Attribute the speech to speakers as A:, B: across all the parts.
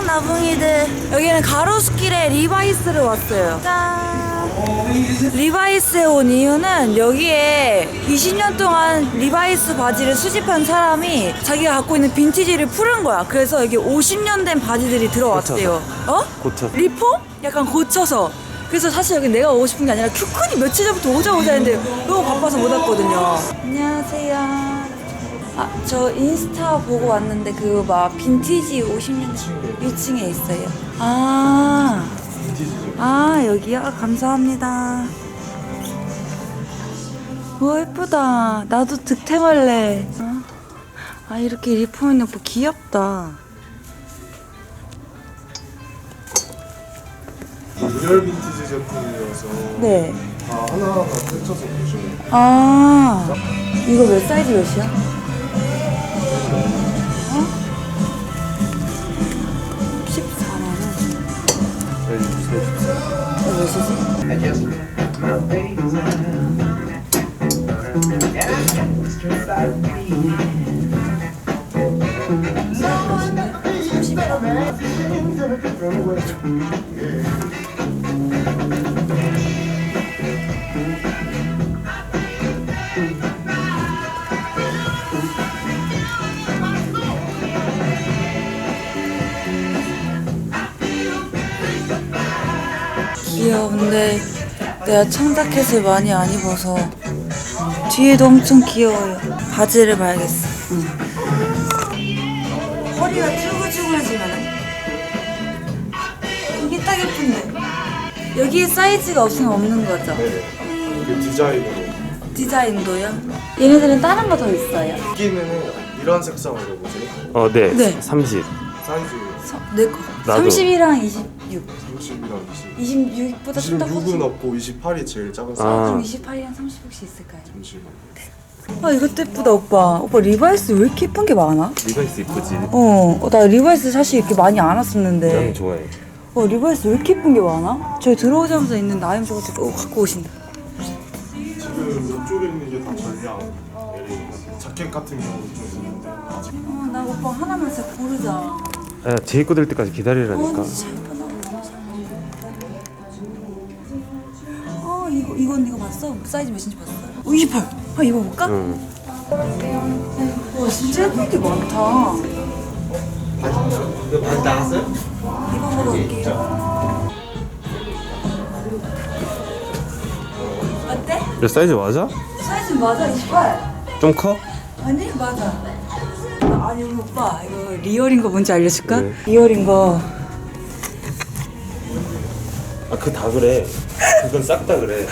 A: 나붕이들. 여기는 가로수길에 리바이스를 왔어요. 짠. 리바이스에 온 이유는 여기에 20년 동안 리바이스 바지를 수집한 사람이 자기가 갖고 있는 빈티지를 풀은 거야. 그래서 여기 50년 된 바지들이 들어왔대요.
B: 고쳐서.
A: 리폼? 약간 고쳐서. 그래서 사실 여기 내가 오고 싶은 게 아니라 큐큰이 며칠 전부터 오자 했는데 너무 바빠서 못 왔거든요. 안녕하세요. 저 인스타 보고 왔는데 그 막 빈티지 50년 1층에 있어요. 여기요? 감사합니다. 와 예쁘다. 나도 득템할래. 이렇게 리폼 있는 거 귀엽다.
C: 인열 빈티지 제품이어서
A: 네.
C: 다 하나하나 펼쳐서 보시면
A: 이거 몇 사이즈 몇이야? 14만원. 이거 몇이지? 이야 근데 내가 청자켓을 많이 안 입어서 뒤에도 엄청 귀여워요. 바지를 봐야겠어. 허리가 쭈글쭈글해지면은 이게 딱 예쁜데 여기에 사이즈가 없으면 없는 거죠?
C: 이게 디자인으로
A: 디자인도요? 얘네들은 다른 거 더 있어요?
C: 여기는 이런 색상으로 보세요.
B: 네.
A: 네.
B: 30.
C: 사이즈
A: 내 거.
B: 나도.
A: 30이랑 26.
C: 30이랑 20.
A: 26보다 좀 더
C: 26은
A: 커지.
C: 없고 28이 제일 작은 사이즈.
A: 그럼 28이랑 30 혹시 있을까요?
C: 잠시만.
A: 이것도 예쁘다 오빠. 오빠 리바이스 왜 이렇게 예쁜 게 많아?
B: 리바이스 이쁘지?
A: 나 리바이스 사실 이렇게 많이 안 왔었는데.
B: 나는 좋아해.
A: 리바이스 왜 이렇게 예쁜 게 많아? 저희 들어오자마자 있는 나임 저거 갖고 오신다.
C: 지금 이쪽에 있는 게 다 전량 자켓 같은 경우도 좀 있는데 아직
A: 나 오빠 하나만 진짜 고르자.
B: 제 입고 될 때까지 기다리라니까.
A: 진짜 예쁘다. 이거 봤어? 사이즈 몇인지 봤어? 28. 입어볼까?
B: 응.
A: 와 진짜 예쁜 게 많다.
D: 바지 나갔어요?
A: 입어보러 올게요. 어때?
B: 몇 사이즈 맞아?
A: 사이즈 맞아 28.
B: 좀 커?
A: 아니 맞아. 아니 우리 오빠 이거 리얼인 거 뭔지 알려줄까?
B: 네.
A: 리얼인 거.
B: 그거 다 그래. 그건 싹 다 그래.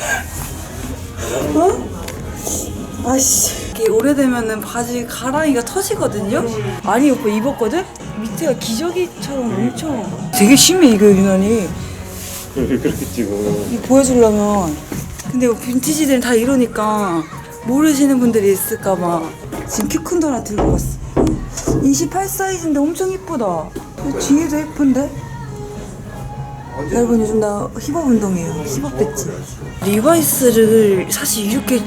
A: 아씨 이게 오래되면은 바지 가랑이가 터지거든요? 아니 오빠 입었거든? 밑에가 기저귀처럼 엄청 되게 심해 이거 유난히.
B: 왜 그렇게 찍어?
A: 이거 보여주려면. 근데 빈티지들은 다 이러니까 모르시는 분들이 있을까봐 지금 큐큰도 하나 들고 왔어. 28 사이즈인데 엄청 이쁘다. 뒤에도 예쁜데? 여러분 요즘 나 힙업 운동해요. 힙업 됐지? 리바이스를 사실 이렇게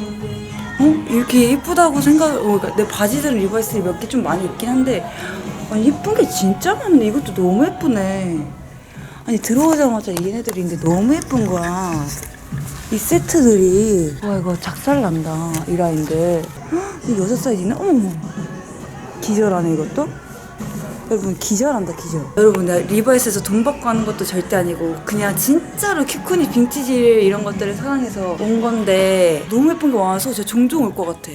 A: 예쁘다고 그러니까 내 바지들은 리바이스를 몇 개 좀 많이 있긴 한데 예쁜 게 진짜 많네. 이것도 너무 예쁘네. 아니 들어오자마자 얘네들이 있는데 너무 예쁜 거야. 이 세트들이. 와 이거 작살난다 이 라인들. 이거 6 사이즈네? 어머머 기절하네 이것도. 여러분 기절한다 기절. 여러분 내가 리바이스에서 돈 받고 하는 것도 절대 아니고 그냥 진짜로 큐쿠니 빈티지 이런 것들을 사랑해서 온 건데 너무 예쁜 게 많아서 제가 종종 올 것 같아.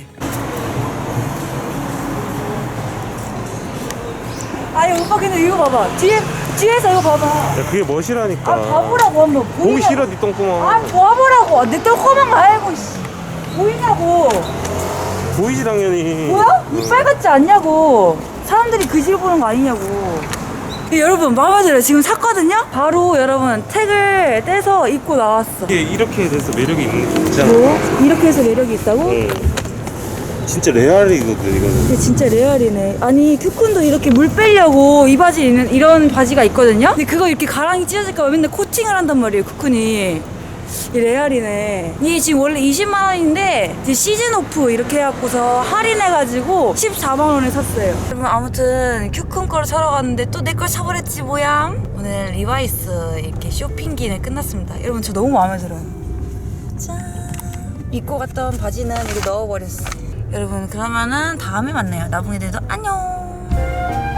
A: 아니 오빠 근데 이거 봐봐. 뒤에서 이거 봐봐.
B: 야 그게 멋이라니까.
A: 봐보라고 한번.
B: 보기 싫어 니 똥구멍.
A: 봐보라고. 내 똥꼬만 알고 보이냐고.
B: 보이지 당연히.
A: 뭐야? 이빨 같지 않냐고. 사람들이 그지를 보는 거 아니냐고. 여러분 마음에 들어요. 지금 샀거든요? 바로 여러분 택을 떼서 입고 나왔어.
B: 이게 이렇게 돼서 매력이 있잖아.
A: 뭐? 이렇게 해서 매력이 있다고?
B: 응. 진짜 레알이거든 이거는.
A: 근데 진짜 레알이네. 아니 큐쿤도 이렇게 물 빼려고 이 바지 있는 이런 바지가 있거든요? 근데 그거 이렇게 가랑이 찢어질까 봐 맨날 코팅을 한단 말이에요 큐쿤이. 이 레알이네. 이게 지금 원래 20만 원인데 이제 시즌 오프 이렇게 해갖고서 할인해가지고 14만 원에 샀어요. 여러분 아무튼 큐큰 거를 사러 갔는데 또 내 걸 사버렸지 뭐야. 오늘 리바이스 이렇게 쇼핑기는 끝났습니다. 여러분 저 너무 마음에 들어요. 짠. 입고 갔던 바지는 여기 넣어버렸어. 여러분 그러면은 다음에 만나요. 나붕이들도 안녕.